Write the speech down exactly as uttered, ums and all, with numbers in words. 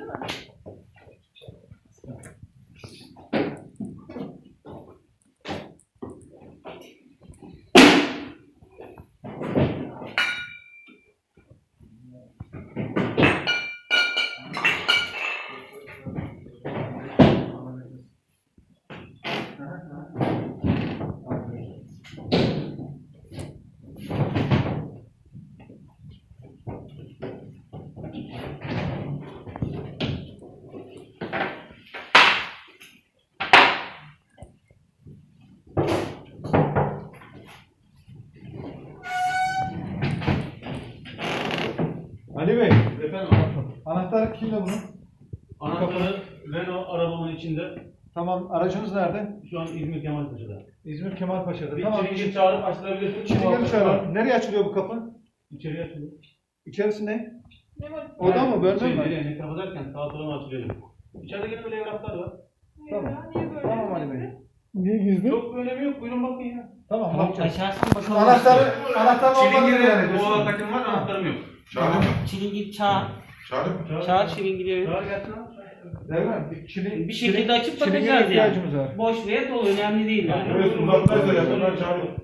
Ali Bey, Efendim, anahtar kimde bunun? anahtarı Renault arabamın içinde. Tamam, aracınız nerede? Şu an İzmir Kemalpaşa'da. İzmir Kemalpaşa'da. Bir Tamam, çilingir çağırıp açtırabilirsin. çilingir çağıralım. Nereye açılıyor bu kapı? İçeriye açılıyor. İçerisi ne? Ne var? Oda mı, bölme Şey, mi? nereye, ne kapatırken sağa sola mı açılıyor? İçeride gene böyle evraklar var. Niye Tamam. ya? Niye böyle? Tamam Ali Bey. Niye gizli? Çok bir önemi yok, buyurun bakın ya. Tamam, Tamam, bakacağız. açarsın bakalım. Anahtarı, anahtarı olmadı yani. Çilingir'e bu takım var, anahtarım yok. Çağırın mı? Çilingir çağır. Çağırın mı? Çağır çilingiri. Çağır gelsin abi. Değil mi? Çili, Bir şekilde açıp çilingire bakacağız yani. ihtiyacımız var. Boş veya dolu önemli değil yani. Evet, uzaklaşsa yapın, ben çağırıyorum.